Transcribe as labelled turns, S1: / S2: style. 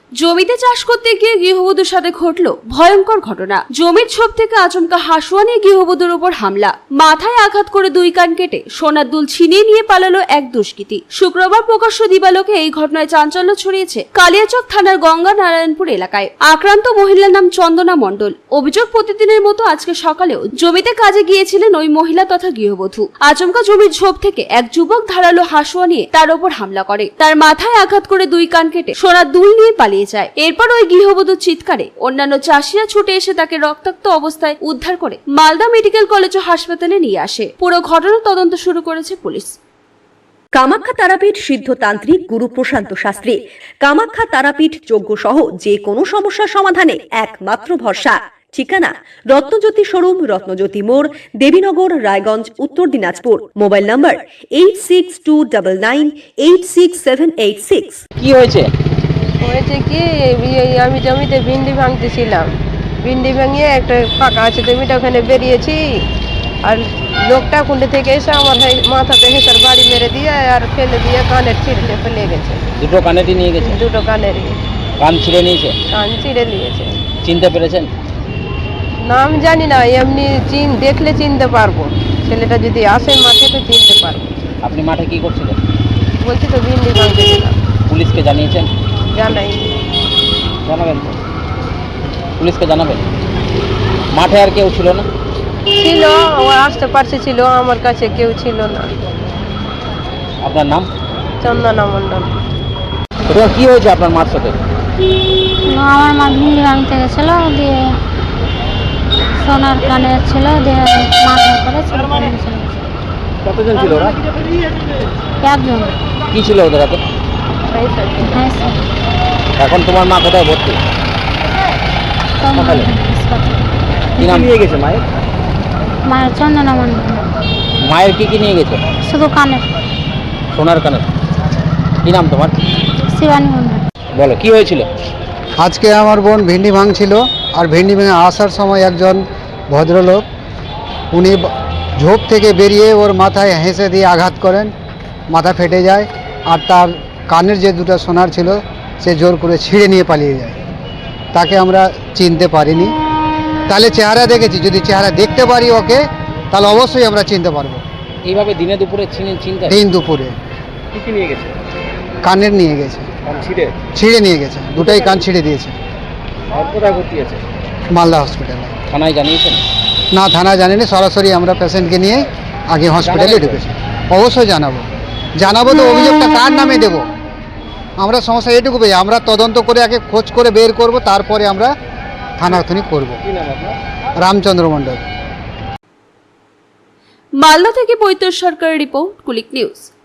S1: জমিতে চাষ করতে গিয়ে গৃহবধূর সাথে ঘটল ভয়ঙ্কর ঘটনা। জমির ছোপ থেকে আচমকা হাসুয়া নিয়ে গৃহবধূর উপর হামলা, মাথায় আঘাত করে 2 কান কেটে সোনার দুল ছিনিয়ে নিয়ে পালালো এক দুষ্কৃতী। শুক্রবার প্রকাশ্য দিবালোকে এই ঘটনায় চাঞ্চল্য ছড়িয়েছে কালিয়াচক থানার গঙ্গা নারায়ণপুর এলাকায়। আক্রান্ত মহিলার নাম চন্দনা মণ্ডল। অভিযোগ, প্রতিদিনের মতো আজকে সকালেও জমিতে কাজে গিয়েছিলেন ওই মহিলা তথা গৃহবধূ। আচমকা জমির ঝোপ থেকে এক যুবক ধারালো হাসুয়া নিয়ে তার উপর হামলা করে, তার মাথায় আঘাত করে 2 কান কেটে সোনার দুল নিয়ে পালিয়ে যায়। এরপর ওই গৃহবধূর চিৎকারে অন্যান্য চাষিরা ছুটে এসে তাকে রক্তাক্ত অবস্থায় উদ্ধার করে মালদা মেডিকেল কলেজ ও হাসপাতালে নিয়ে আসে। পুরো ঘটনার তদন্ত শুরু করেছে পুলিশ।
S2: কামাখ্যা তারাপীঠ সিদ্ধতান্ত্রিক গুরু প্রশান্ত শাস্ত্রী। কামাখ্যা তারাপীঠ যজ্ঞ সহ যে কোনো সমস্যার সমাধানে একমাত্র ভরসা। ঠিকানা রত্নজ্যোতি শোরুম, রত্নজ্যোতি মোড়, দেবীনগর, রায়গঞ্জ, উত্তর দিনাজপুর। Mobile number 8629986786।
S3: কি হয়েছে?
S4: হয়েছে কি, আমি জমিতে ভিন্ডি ভাঙতেছিলাম। ভিন্ডি ভাঙিয়ে একটা ফাঁকা আছে জমিটা, ওখানে বেরিয়েছি। আর লোকটা কুণ্ডে থেকে এসে আমার মাথাতে হেঁচার বাড়ি মেরে দিয়ে আর ফেলে দিয়ে কানের ছিঁড়ে ফেলে গেছে।
S3: দুটো কানেরই নিয়ে গেছে?
S4: দুটো কানেরই
S3: কান ছিঁড়ে নিয়েছে?
S4: কান ছিঁড়ে নিয়েছে।
S3: চিনতে পেরেছেন?
S4: নাম জানি না, এমনি দেখলে চিনতে পারবো। ছেলেটা যদি আসে মাঠে তো চিনতে পারবো।
S3: আপনি মাঠে কি করছিলেন?
S4: বলছি তো ভিন্ডি ভাঙতেছিলাম।
S3: পুলিশকে জানিয়েছেন?
S4: জানাই।
S3: জানাবেন তো, পুলিশকে জানাবেন। মাঠে আর কেউ ছিল না?
S4: ছিল, ও আসতে পারছে, ছিল আমার কাছে কেউ ছিল না।
S3: আপনার নাম?
S4: চন্দনা মণ্ডল।
S3: ওটা কি হয়েছে আপনার মার সাথে?
S5: আমার মা ভিন্ডি ভাঙতে গেছিলো, দিয়ে সোনার কানে ছিল, দিয়ে মাথায় করে ছিল।
S3: কতজন ছিল ওরা?
S5: একজন।
S3: কি ছিল ওদের হাতে?
S5: হ্যাঁ স্যার।
S3: এখন তোমার মা কোথায় ভর্তি? সকালে কি নাম নিয়ে গেছে মায়ের?
S5: মায়ের চন্দনা মণ্ডল।
S3: মায়ের কি নিয়ে গেছে?
S5: শুধু কানের।
S3: সোনার কানের। কি নাম তোমার?
S5: শিবানী মণ্ডল।
S3: বলো কি হয়েছিল?
S6: আজকে আমার বোন ভিন্ডি ভাঙছিল, আর ভিন্ডি ভেঙে আসার সময় একজন ভদ্রলোক উনি ঝোপ থেকে বেরিয়ে ওর মাথায় হেসে দিয়ে আঘাত করেন, মাথা ফেটে যায়। আর তার কানের যে দুটো সোনার ছিল সে জোর করে ছিঁড়ে নিয়ে পালিয়ে যায়। তাকে আমরা চিনতে পারিনি। তাহলে চেহারা দেখেছি, যদি চেহারা দেখতে পারি ওকে, তাহলে অবশ্যই আমরা চিনতে পারবো।
S3: এইভাবে দিনে দুপুরে চিনতে?
S6: দিন দুপুরে।
S3: কি নিয়ে গেছে?
S6: কানের নিয়ে গেছে, ছিঁড়ে নিয়ে গেছে, দুটাই কান ছিঁড়ে দিয়েছে।
S3: কোথায় ভর্তি আছে?
S6: মালদা হসপিটালে।
S3: থানায় জানিয়েছেন?
S6: না, থানা জানিনি, সরাসরি আমরা পেশেন্টকে নিয়ে আগে হসপিটালে ঢুকেছি। অবশ্যই জানাবো তো অভিযোগটা কার নামে দেব। আমরা সমস্যা এটুকু পেয়ে আমরা তদন্ত করে আগে খোঁজ করে বের করব, তারপরে আমরা থানাথনি করব। রামচন্দ্র মণ্ডল।
S1: মালদা থেকে পৈতর সরকারের রিপোর্ট, কুলিক নিউজ।